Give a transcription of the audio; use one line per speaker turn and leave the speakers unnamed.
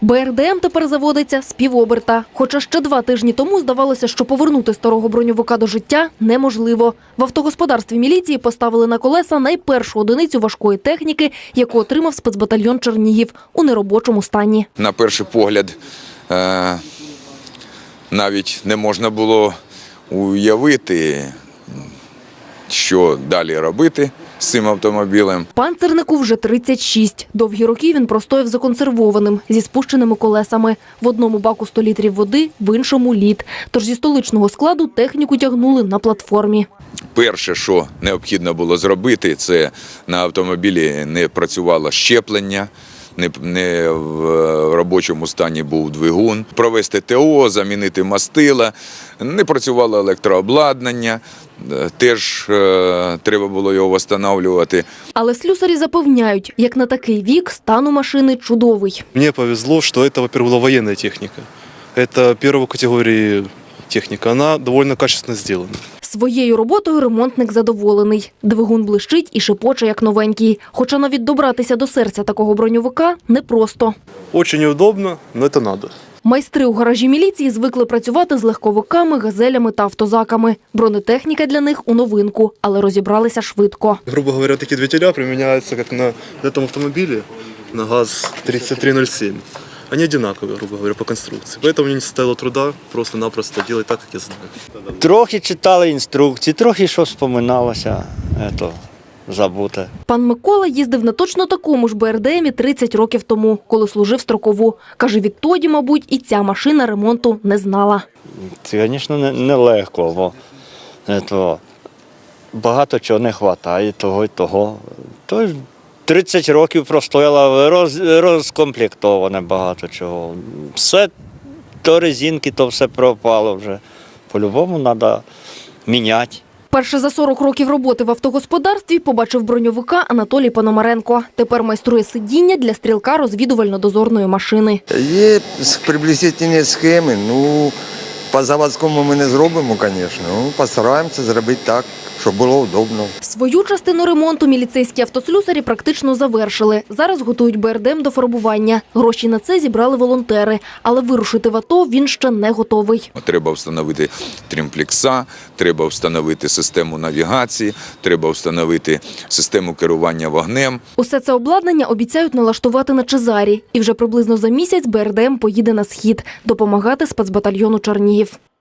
БРДМ тепер заводиться з півоберта. Хоча ще 2 тижні тому здавалося, що повернути старого броньовика до життя неможливо. В автогосподарстві міліції поставили на колеса найпершу одиницю важкої техніки, яку отримав спецбатальйон Чернігів у неробочому стані.
На перший погляд навіть не можна було уявити, що далі робити з цим автомобілем.
Панцернику вже 36. Довгі роки він простояв законсервованим, зі спущеними колесами. В одному баку 100 літрів води, в іншому – лід. Тож зі столичного складу техніку тягнули на платформі.
Перше, що необхідно було зробити, це на автомобілі не працювало щеплення, не в робочому стані був двигун, провести ТО, замінити мастила, не працювало електрообладнання, теж треба було його встановлювати.
Але слюсарі запевняють, як на такий вік стан у машини чудовий.
Мені повезло, що це, во-первых, була воєнна техніка. Це першої категорії техніка, вона доволі качественно зроблена.
Своєю роботою ремонтник задоволений. Двигун блищить і шепоче, як новенький. Хоча навіть добратися до серця такого броньовика непросто.
Дуже неудобно, але це треба.
Майстри у гаражі міліції звикли працювати з легковиками, газелями та автозаками. Бронетехніка для них у новинку, але розібралися швидко.
Грубо говоря, такі двигателя приміняються, як на цьому автомобілі, на ГАЗ-3307. Они одинаковые, грубо говоря, по конструкции. Поэтому мне не составило труда просто-напросто делать так, как я знаю.
Трохи читали інструкції, трохи що вспоминалося, забуте.
Пан Микола їздив на точно такому ж БРДМі 30 років тому, коли служив строкову. Каже, відтоді, мабуть, і ця машина ремонту не знала.
Це, звісно, нелегко, бо багато чого не вистачає, того і того. 30 років простояла, розкомплектоване багато чого. Все, то резинки, то все пропало вже. По-любому треба міняти.
Перше за 40 років роботи в автогосподарстві побачив броньовика Анатолій Пономаренко. Тепер майструє сидіння для стрілка розвідувально-дозорної машини.
Є приблизительні схеми, по заводському ми не зробимо, звісно, постараємося зробити так, щоб було удобно.
Свою частину ремонту міліцейські автослюсарі практично завершили. Зараз готують БРДМ до фарбування. Гроші на це зібрали волонтери. Але вирушити в АТО він ще не готовий.
Треба встановити тримплекса, треба встановити систему навігації, треба встановити систему керування вогнем.
Усе це обладнання обіцяють налаштувати на Чезарі. І вже приблизно за місяць БРДМ поїде на схід допомагати спецбатальйону Чернігів.